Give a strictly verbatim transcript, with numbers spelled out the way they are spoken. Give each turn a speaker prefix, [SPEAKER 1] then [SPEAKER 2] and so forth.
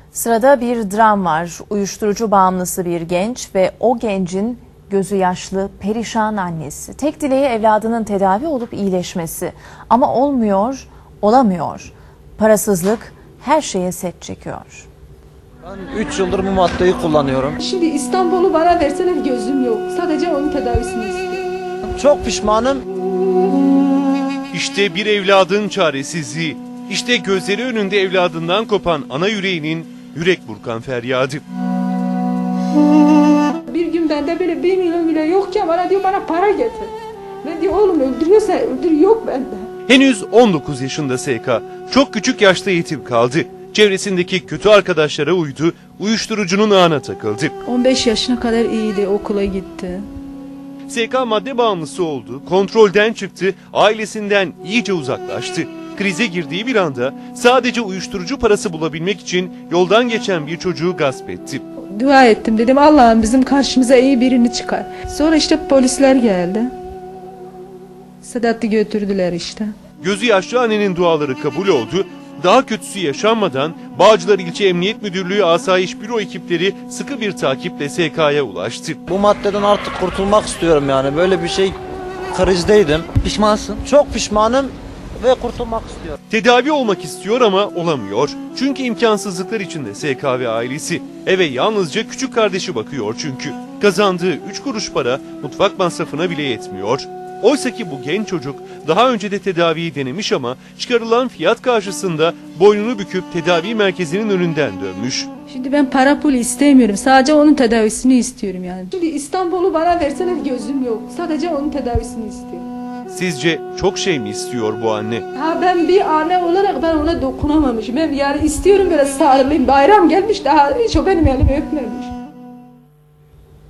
[SPEAKER 1] Sırada bir dram var. Uyuşturucu bağımlısı bir genç ve o gencin gözü yaşlı, perişan annesi. Tek dileği evladının tedavi olup iyileşmesi. Ama olmuyor, olamıyor. Parasızlık her şeye set çekiyor.
[SPEAKER 2] Ben üç yıldır bu maddeyi kullanıyorum.
[SPEAKER 3] Şimdi İstanbul'u bana verseler gözüm yok. Sadece onun tedavisini istiyorum.
[SPEAKER 2] Çok pişmanım.
[SPEAKER 4] İşte bir evladın çaresizliği. İşte gözleri önünde evladından kopan ana yüreğinin yürek burkan feryadı.
[SPEAKER 3] Bir gün bende böyle bir milyon bile yokken bana diyor bana para getir. Ben diyor oğlum öldürüyorsa öldür, yok bende.
[SPEAKER 4] Henüz on dokuz yaşında S K. Çok küçük yaşta yetim kaldı. Çevresindeki kötü arkadaşlara uydu, uyuşturucunun ağına takıldı.
[SPEAKER 3] on beş yaşına kadar iyiydi, okula gitti.
[SPEAKER 4] S K madde bağımlısı oldu, kontrolden çıktı, ailesinden iyice uzaklaştı. Krize girdiği bir anda sadece uyuşturucu parası bulabilmek için yoldan geçen bir çocuğu gasp etti.
[SPEAKER 3] Dua ettim, dedim Allah'ım bizim karşımıza iyi birini çıkar. Sonra işte polisler geldi. Sedat'ı götürdüler işte.
[SPEAKER 4] Gözü yaşlı annenin duaları kabul oldu. Daha kötüsü yaşanmadan Bağcılar İlçe Emniyet Müdürlüğü Asayiş Büro ekipleri sıkı bir takiple S K'ya ulaştı.
[SPEAKER 2] Bu maddeden artık kurtulmak istiyorum yani. Böyle bir şey krizdeydim. Pişmansın? Çok pişmanım ve kurtulmak istiyorum.
[SPEAKER 4] Tedavi olmak istiyor ama olamıyor. Çünkü imkansızlıklar içinde S K ve ailesi. Eve yalnızca küçük kardeşi bakıyor çünkü. Kazandığı üç kuruş para mutfak masrafına bile yetmiyor. Oysa ki bu genç çocuk daha önce de tedaviyi denemiş ama çıkarılan fiyat karşısında boynunu büküp tedavi merkezinin önünden dönmüş.
[SPEAKER 3] Şimdi ben para pul istemiyorum. Sadece onun tedavisini istiyorum yani. Şimdi İstanbul'u bana verseler gözüm yok. Sadece onun tedavisini istiyorum.
[SPEAKER 4] Sizce çok şey mi istiyor bu anne?
[SPEAKER 3] Ha ben bir anne olarak ben ona dokunamamışım. Ben yani istiyorum böyle sarılayım. Bayram gelmiş daha hiç o benim elimi öpmemiş.